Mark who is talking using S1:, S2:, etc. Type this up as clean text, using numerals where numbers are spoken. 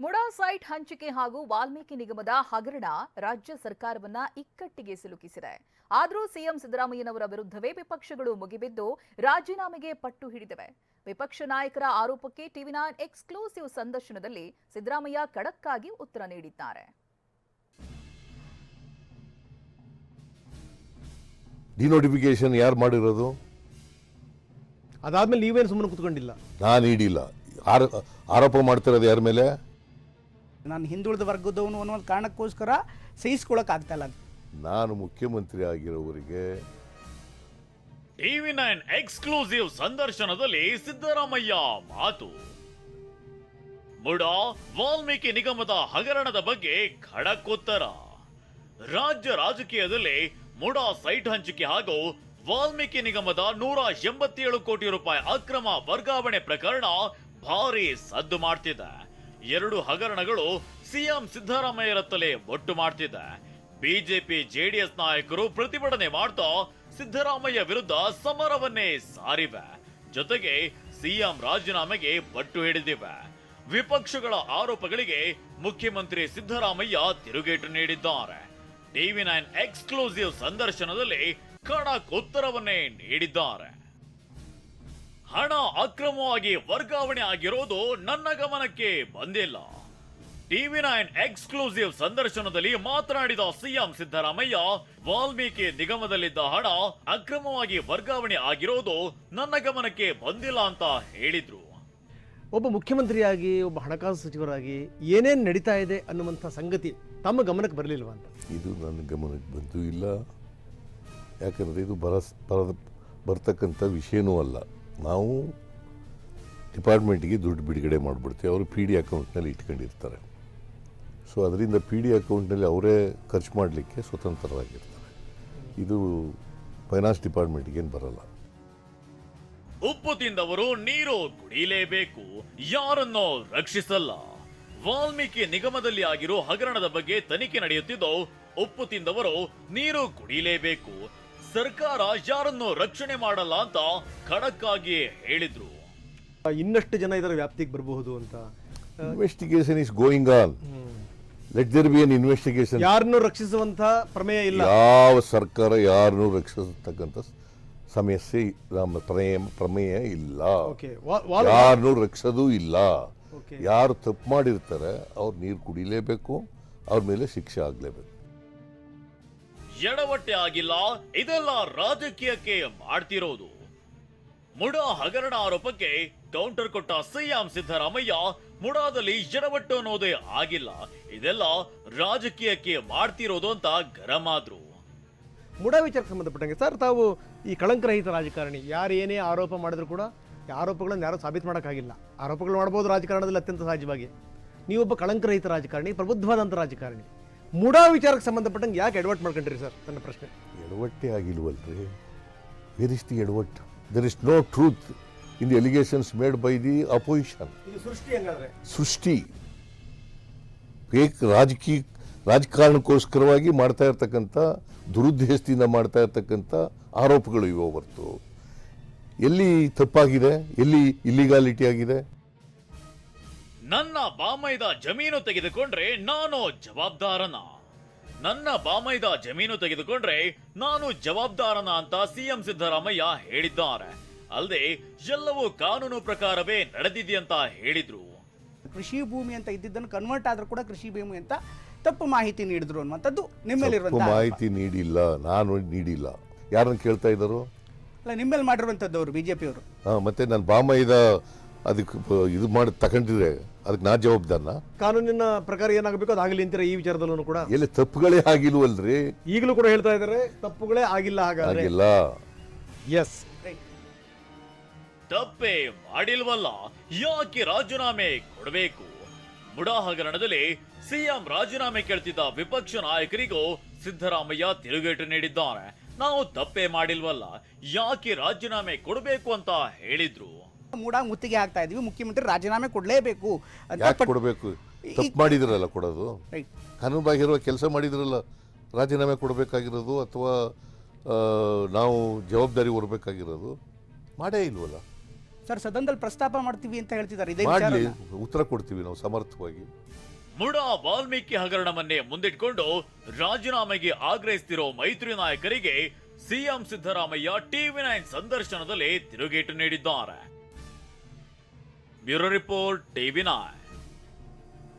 S1: MUDA site ಹಂಚಿಕೆ ಹಾಗೂ ವಾಲ್ಮೀಕಿ ನಿಗಮದ ಹಗರಣ ರಾಜ್ಯ ಸರ್ಕಾರವನ್ನ ಇಕ್ಕಟ್ಟಿಗೆ ಸಿಲುಕಿಸಿದೆ. ಆದರೂ ಸಿಎಂ ಸಿದ್ದರಾಮಯ್ಯನವರ ವಿರುದ್ಧವೇ ವಿಪಕ್ಷಗಳು ಮುಗಿಬಿದ್ದು ರಾಜೀನಾಮೆಗೆ ಪಟ್ಟು ಹಿಡಿದಿವೆ. ವಿಪಕ್ಷ ನಾಯಕರ ಆರೋಪಕ್ಕೆ ಟಿವಿ9 ಎಕ್ಸ್ಕ್ಲೂಸಿವ್ ಸಂದರ್ಶನದಲ್ಲಿ ಸಿದ್ದರಾಮಯ್ಯ ಖಡಕ್ ಆಗಿ ಉತ್ತರ ನೀಡಿದ್ದಾರೆ.
S2: ಡಿನೋಟಿಫಿಕೇಶನ್ ಯಾರು ಮಾಡಿರೋದು?
S3: ಅದಾದ್ಮೇಲೆ ನೀವೇನು ಸುಮ್ಮನೆ ಕೂತ್ಕೊಂಡಿಲ್ಲ.
S2: ನಾನು ನೀಡಿಲ್ಲ. ಆರೋಪ ಮಾಡ್ತಿರೋದು ಯಾರ ಮೇಲೆ?
S4: ನಾನು ಹಿಂದುಳಿದ ವರ್ಗದವನು ಅನ್ನೋ ಕಾರಣಕ್ಕೋಸ್ಕರ ಸಹಿಸ್ಕೊಳ್ಳೋಕೆ ಆಗ್ತಾ ಇಲ್ಲ.
S2: ನಾನು ಮುಖ್ಯಮಂತ್ರಿ ಆಗಿರೋವರಿಗೆ
S5: ಟಿವಿ9 ಎಕ್ಸ್ಕ್ಲೂಸಿವ್ ಸಂದರ್ಶನದಲ್ಲಿ ಸಿದ್ದರಾಮಯ್ಯ ಮಾತು. ಮುಡಾ ವಾಲ್ಮೀಕಿ ನಿಗಮದ ಹಗರಣದ ಬಗ್ಗೆ ಖಡಕ್ ಉತ್ತರ. ರಾಜ್ಯ ರಾಜಕೀಯದಲ್ಲಿ ಮುಡಾ ಸೈಟ್ ಹಂಚಿಕೆ ಹಾಗೂ ವಾಲ್ಮೀಕಿ ನಿಗಮದ 187 ಕೋಟಿ ರೂಪಾಯಿ ಅಕ್ರಮ ವರ್ಗಾವಣೆ ಪ್ರಕರಣ ಭಾರಿ ಸದ್ದು ಮಾಡ್ತಿದೆ. ಎರಡು ಹಗರಣಗಳು ಸಿಎಂ ಸಿದ್ದರಾಮಯ್ಯರತ್ತಲೇ ಒಟ್ಟು ಮಾಡ್ತಿದೆ. ಬಿಜೆಪಿ ಜೆಡಿಎಸ್ ನಾಯಕರು ಪ್ರತಿಭಟನೆ ಮಾಡ್ತಾ ಸಿದ್ದರಾಮಯ್ಯ ವಿರುದ್ಧ ಸಮರವನ್ನೇ ಸಾರಿವೆ. ಜೊತೆಗೆ ಸಿಎಂ ರಾಜೀನಾಮೆಗೆ ಪಟ್ಟು ಹಿಡಿದಿವೆ. ವಿಪಕ್ಷಗಳ ಆರೋಪಗಳಿಗೆ ಮುಖ್ಯಮಂತ್ರಿ ಸಿದ್ದರಾಮಯ್ಯ ತಿರುಗೇಟು ನೀಡಿದ್ದಾರೆ. ಟಿವಿ9 ಎಕ್ಸ್ಕ್ಲೂಸಿವ್ ಸಂದರ್ಶನದಲ್ಲಿ ಖಡಕ್ ಉತ್ತರವನ್ನೇ ನೀಡಿದ್ದಾರೆ. ಹಣ ಅಕ್ರಮವಾಗಿ ವರ್ಗಾವಣೆ ಆಗಿರೋದು ನನ್ನ ಗಮನಕ್ಕೆ ಬಂದಿಲ್ಲ. ಟಿವಿ9 ಎಕ್ಸ್ಕ್ಲೂಸಿವ್ ಸಂದರ್ಶನದಲ್ಲಿ ಮಾತನಾಡಿದ ಸಿಎಂ ಸಿದ್ದರಾಮಯ್ಯ, ವಾಲ್ಮೀಕಿ ನಿಗಮದಲ್ಲಿದ್ದ ಹಣ ಅಕ್ರಮವಾಗಿ ವರ್ಗಾವಣೆ ಆಗಿರೋದು ನನ್ನ ಗಮನಕ್ಕೆ ಬಂದಿಲ್ಲ ಅಂತ ಹೇಳಿದ್ರು.
S3: ಒಬ್ಬ ಮುಖ್ಯಮಂತ್ರಿಯಾಗಿ, ಒಬ್ಬ ಹಣಕಾಸು ಸಚಿವರಾಗಿ ಏನೇನು ನಡೀತಾ ಇದೆ ಅನ್ನುವಂಥ ಸಂಗತಿ ತಮ್ಮ ಗಮನಕ್ಕೆ ಬರಲಿಲ್ವಾ ಅಂತ?
S2: ಇದು ನನ್ನ ಗಮನಕ್ಕೆ ಬಂದೂ ಇಲ್ಲ. ಯಾಕಂದರೆ ಇದು ಬರ್ತಕ್ಕಂಥ ವಿಷಯನೂ ಅಲ್ಲ. ನಾವು ಡಿಪಾರ್ಟ್ಮೆಂಟ್ಗೆ ದುಡ್ಡು ಬಿಡುಗಡೆ ಮಾಡಿಬಿಡ್ತೀವಿ. ಅವರು ಪಿ ಡಿ ಅಕೌಂಟ್ನಲ್ಲಿ ಇಟ್ಕೊಂಡಿರ್ತಾರೆ. ಸೊ ಅದರಿಂದ ಪಿ ಡಿ ಅಕೌಂಟ್ನಲ್ಲಿ ಅವರೇ ಖರ್ಚು ಮಾಡಲಿಕ್ಕೆ ಸ್ವತಂತ್ರರಾಗಿರ್ತಾರೆ. ಇದು ಫೈನಾನ್ಸ್ ಡಿಪಾರ್ಟ್ಮೆಂಟ್ಗೇನು ಬರಲ್ಲ.
S5: ಉಪ್ಪು ತಿಂದವರು ನೀರು ಕುಡಿಯಲೇಬೇಕು, ಯಾರನ್ನೋ ರಕ್ಷಿಸಲ್ಲ. ವಾಲ್ಮೀಕಿ ನಿಗಮದಲ್ಲಿ ಆಗಿರೋ ಹಗರಣದ ಬಗ್ಗೆ ತನಿಖೆ ನಡೆಯುತ್ತಿದ್ದು, ಉಪ್ಪು ತಿಂದವರು ನೀರು ಕುಡಿಯಲೇಬೇಕು, ಸರ್ಕಾರ ಯಾರನ್ನೂ ರಕ್ಷಣೆ ಮಾಡಲ್ಲ ಅಂತ ಖಡಕ್ ಆಗಿ ಹೇಳಿದ್ರು.
S3: ಇನ್ನಷ್ಟು ಜನ ಇದರ ವ್ಯಾಪ್ತಿಗೆ ಬರಬಹುದು ಅಂತ.
S2: Investigation is going on. Let there be an investigation.
S3: ಯಾರನ್ನೂ ರಕ್ಷಿಸುವಂತ ಪ್ರಮೇಯ ಇಲ್ಲ.
S2: ಯಾವ ಸರ್ಕಾರ ಯಾರನ್ನೂ ರಕ್ಷಿಸತಕ್ಕಂಥ ಸಮಸ್ಯೆ ನಮ್ಮ ಪ್ರಮೇಯ ಇಲ್ಲ. ಯಾರನ್ನೂ ರಕ್ಷಿಸೋದು ಇಲ್ಲ. ಯಾರು ತಪ್ಪು ಮಾಡಿರ್ತಾರೆ ಅವ್ರು ನೀರು ಕುಡಿಲೇಬೇಕು, ಅವ್ರ ಮೇಲೆ ಶಿಕ್ಷೆ ಆಗ್ಲೇಬೇಕು.
S5: ಎಡವಟ್ಟೆ ಆಗಿಲ್ಲ, ಇದೆಲ್ಲ ರಾಜಕೀಯಕ್ಕೆ ಮಾಡ್ತಿರೋದು. ಮುಡಾ ಹಗರಣ ಆರೋಪಕ್ಕೆ ಕೌಂಟರ್ ಕೊಟ್ಟ ಸಿಎಂ ಸಿದ್ದರಾಮಯ್ಯ, ಮುಡಾದಲ್ಲಿ ಎಡವಟ್ಟು ಅನ್ನೋದೇ ಆಗಿಲ್ಲ, ಇದೆಲ್ಲ ರಾಜಕೀಯಕ್ಕೆ ಮಾಡ್ತಿರೋದು ಅಂತ ಗರಂ ಆದ್ರು.
S3: ಮುಡಾ ವಿಚಾರಕ್ಕೆ ಸಂಬಂಧಪಟ್ಟಂಗೆ ಸರ್, ತಾವು ಈ ಕಳಂಕರಹಿತ ರಾಜಕಾರಣಿ, ಯಾರು ಏನೇ ಆರೋಪ ಮಾಡಿದ್ರು ಕೂಡ ಆರೋಪಗಳನ್ನು ಯಾರು ಸಾಬೀತು ಮಾಡೋಕ್ಕಾಗಿಲ್ಲ. ಆರೋಪಗಳು ಮಾಡ್ಬೋದು ರಾಜಕಾರಣದಲ್ಲಿ ಅತ್ಯಂತ ಸಹಜವಾಗಿ. ನೀವೊಬ್ಬ ಕಳಂಕರಹಿತ ರಾಜಕಾರಣಿ, ಪ್ರಬುದ್ಧವಾದಂಥ ರಾಜಕಾರಣಿ. ಮುಡಾ ವಿಚಾರಕ್ಕೆ ಸಂಬಂಧಪಟ್ಟಂಗೆ ಯಾಕೆ ಎಡವಟ್ಟು ಮಾಡ್ಕೊಂಡ್ರಿ ಸರ್? ನನ್ನ ಪ್ರಶ್ನೆ.
S2: ಎಡವಟ್ಟೆ ಆಗಿಲ್ವಲ್ರಿ? ವೇರ್ ಇಸ್ ದಿ ಎಡವಟ್ಟು? There is no truth in the allegations made by the opposition. ಸೃಷ್ಟಿ ರಾಜಕಾರಣಕ್ಕೋಸ್ಕರವಾಗಿ ಮಾಡ್ತಾ ಇರ್ತಕ್ಕಂಥ, ದುರುದ್ದೇಶದಿಂದ ಮಾಡ್ತಾ ಇರ್ತಕ್ಕಂಥ ಆರೋಪಗಳು ಇವೆ ಹೊರತು ಎಲ್ಲಿ ತಪ್ಪಾಗಿದೆ, ಎಲ್ಲಿ ಇಲ್ಲಿಗಾಲಿಟಿ ಆಗಿದೆ?
S5: ನನ್ನ ಬಾಮೈದ ಜಮೀನು ತೆಗೆದುಕೊಂಡ್ರೆ ನಾನು ಜವಾಬ್ದಾರನ, ನನ್ನ ಬಾಮೈದ ಜಮೀನು ತೆಗೆದುಕೊಂಡ್ರೆ ನಾನು ಜವಾಬ್ದಾರನ ಅಂತ ಸಿಎಂ ಸಿದ್ದರಾಮಯ್ಯ ಹೇಳಿದ್ದಾರೆ. ಅಲ್ಲದೆ ಎಲ್ಲವೂ ಕಾನೂನು ಪ್ರಕಾರವೇ ನಡೆದಿದೆಯಂತ ಹೇಳಿದ್ರು.
S4: ಕೃಷಿ ಭೂಮಿ ಅಂತ ಇದ್ದಿದ್ದನ್ನು ಕನ್ವರ್ಟ್ ಆದ್ರೂ ಕೂಡ ಕೃಷಿ ಭೂಮಿ ಅಂತ ತಪ್ಪು ಮಾಹಿತಿ ನೀಡಿದ್ರು ಅನ್ನುವಂಥದ್ದು ನಿಮ್ಮಲ್ಲಿರುವಂತಹ
S2: ಮಾಹಿತಿ ನೀಡಿಲ್ಲ, ನಾನು ನೀಡಿಲ್ಲ. ಯಾರನ್ನ ಕೇಳ್ತಾ ಇದ್ದಾರು?
S4: ಅಲ್ಲ, ನಿಮ್ಮಲ್ಲಿ ಮಾಡಿರುವಂಥದ್ದವರು ಬಿಜೆಪಿಯವರು.
S2: ಮತ್ತೆ ನಾನು ಬಾಮೈದ ಅದಕ್ಕೆ ಇದು ಮಾಡಿ ತಗೊಂಡಿದ್ರೆ ಅದಕ್ಕೆ ನಾ ಜವಾಬ್ದಾರನ?
S3: ಕಾನೂನಿನ ಪ್ರಕಾರ ಏನಾಗಬೇಕು ಅದಾಗಲಿ ಅಂತೀರ. ಈ ವಿಚಾರದಲ್ಲೂ ಕೂಡ
S2: ಎಲ್ಲಿ ತಪ್ಪುಗಳೇ ಆಗಿಲ್ವಲ್ರಿ?
S3: ಈಗಲೂ ಕೂಡ ಹೇಳ್ತಾ ಇದ್ದಾರೆ ತಪ್ಪುಗಳೇ ಆಗಿಲ್ಲ.
S2: ಆಗಿಲ್ಲ.
S3: ಎಸ್,
S5: ತಪ್ಪೇ ಮಾಡಿಲ್ವಲ್ಲ, ಯಾಕೆ ರಾಜೀನಾಮೆ ಕೊಡಬೇಕು? ಮುಡಾ ಹಗರಣದಲ್ಲಿ ಸಿಎಂ ರಾಜೀನಾಮೆ ಕೇಳ್ತಿದ್ದ ವಿಪಕ್ಷ ನಾಯಕರಿಗೂ ಸಿದ್ದರಾಮಯ್ಯ ತಿರುಗೇಟು ನೀಡಿದ್ದಾರೆ. ನಾವು ತಪ್ಪೇ ಮಾಡಿಲ್ವಲ್ಲ, ಯಾಕೆ ರಾಜೀನಾಮೆ ಕೊಡಬೇಕು ಅಂತ ಹೇಳಿದ್ರು.
S4: ಮೂಡಾ ಮುತ್ತಿಗೆ ಹಾಕ್ತಾ ಇದೀವಿ, ಮುಖ್ಯಮಂತ್ರಿ ರಾಜೀನಾಮೆ ಕೊಡಲೇಬೇಕು ಅಂತ.
S2: ಕೊಡಬೇಕು? ತಪ್ಪು ಮಾಡಿದ್ರಲ್ಲ ಕೊಡೋದು. ಕಾನೂನು ಬಾಹಿರುವ ಕೆಲಸ ಮಾಡಿದ್ರಲ್ಲ ರಾಜೀನಾಮೆ ಕೊಡಬೇಕಾಗಿರೋದು, ಅಥವಾ ನಾವು ಜವಾಬ್ದಾರಿ ಹೊರಬೇಕಾಗಿರೋದು ಮಾಡೇ ಇಲ್ವಲ್ಲ.
S4: ಸರ್ ಸದನದಲ್ಲಿ ಪ್ರಸ್ತಾಪ ಮಾಡ್ತೀವಿ ಅಂತ ಹೇಳ್ತಿದ್ದಾರೆ ಇದೇ
S2: ಮಾಡ್ಲಿ,
S4: ವಿಚಾರನ.
S2: ಉತ್ತರ ಕೊಡ್ತೀವಿ ನಾವು ಸಮರ್ಥವಾಗಿ.
S5: ಮುಡಾ ವಾಲ್ಮೀಕಿ ಹಗರಣವನ್ನೇ ಮುಂದಿಟ್ಕೊಂಡು ರಾಜೀನಾಮೆಗೆ ಆಗ್ರಹಿಸುತ್ತಿರೋ ಮೈತ್ರಿ ನಾಯಕರಿಗೆ ಸಿಎಂ ಸಿದ್ದರಾಮಯ್ಯ ಟಿವಿ9 ಸಂದರ್ಶನದಲ್ಲಿ ತಿರುಗೇಟು ನೀಡಿದ್ದಾರೆ. Bureau report ಟಿವಿ9.